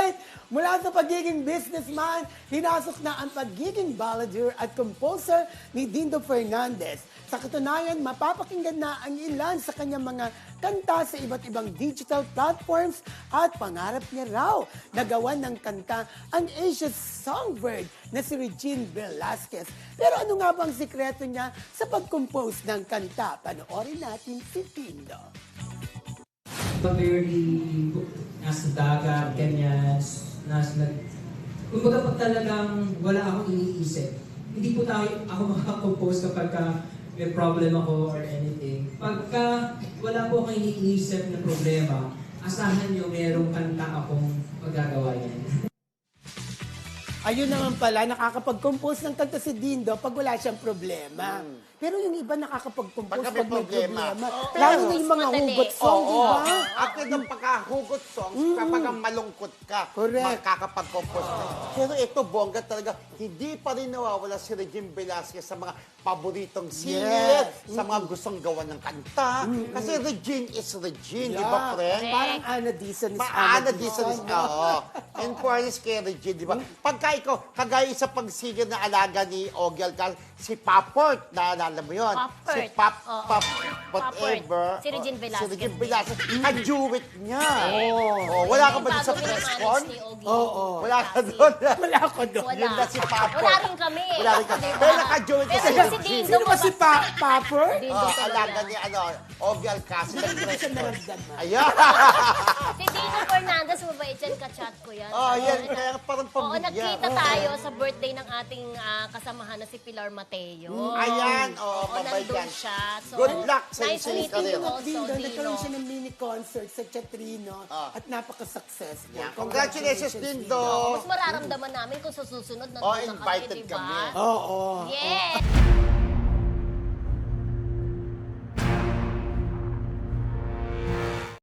Alright, mula sa pagiging businessman, hinasok na ang pagiging balladeer at composer ni Dindo Fernandez. Sa katunayan, mapapakinggan na ang ilan sa kanyang mga kanta sa iba't ibang digital platforms at pangarap niya raw na gawan ng kanta ang Asia's songbird na si Regine Velasquez. Pero ano nga bang sikreto niya sa pag-compose ng kanta? Panoorin natin si Dindo. Very nasa dagat, ganyan, kumbaga pag talagang wala akong iniisip, hindi po ako makakompose kapag may problem ako or anything. Pagka wala po akong iniisip na problema, asahan nyo merong kanta akong magagawa yan. Ayun naman pala, nakakapag-compose ng kanta si Dindo pag wala siyang problema. Pero yung iba nakakapag-compose pag may problema. Lalo na yung mga hugot song, di ba? At yung pagkahugot songs, kapag malungkot ka, Correct. makakapag-compose ka. Pero ito, bongga talaga, hindi pa rin nawawala si Regine Velasquez sa mga paboritong singer, sa mga gustong gawa ng kanta. Kasi Regine is Regine, di ba, friend? Parang Ana Dizon is Ana Dizon is, oo. In fairness kay Regine, di ba? Pagka ikaw, kagaya sa pagsigil na alaga ni Ogie Alcalde, si Paport, naalala mo yun? Paport. Si whatever. Si Regine Velasquez. Si Regine Velasquez. Ka-duet niya. Wala ka ba doon sa press con? Wala ka doon. Wala ako doon. Wala. Yun na si Paport. Wala rin kami. Wala rin kami. Diba? Pero naka-duet Pero si si Regine. Dindo Sino ba si Papper? Dindo Alaga talaga. ni Ogie Alcalde. Hindi ko siya naramdaman. Ayan. Si Dindo Fernandez, mabait yan, kachat ko yan. Yan. Kaya parang Oo, pamilya. nagkita tayo sa birthday ng ating kasamahan na si Pilar Mateo. Ayan. Oo, Mabait nandun yan. siya. So, Good luck sa nice iyong meeting career. you also, Dindo, Dino. nagkaroon siya ng mini concert sa Chatrino at napaka-successful. Yeah. Congratulations, Dindo. Mas mararamdaman namin kung sa susunod nandun na kami, invited diba? kami. Oo. Yes!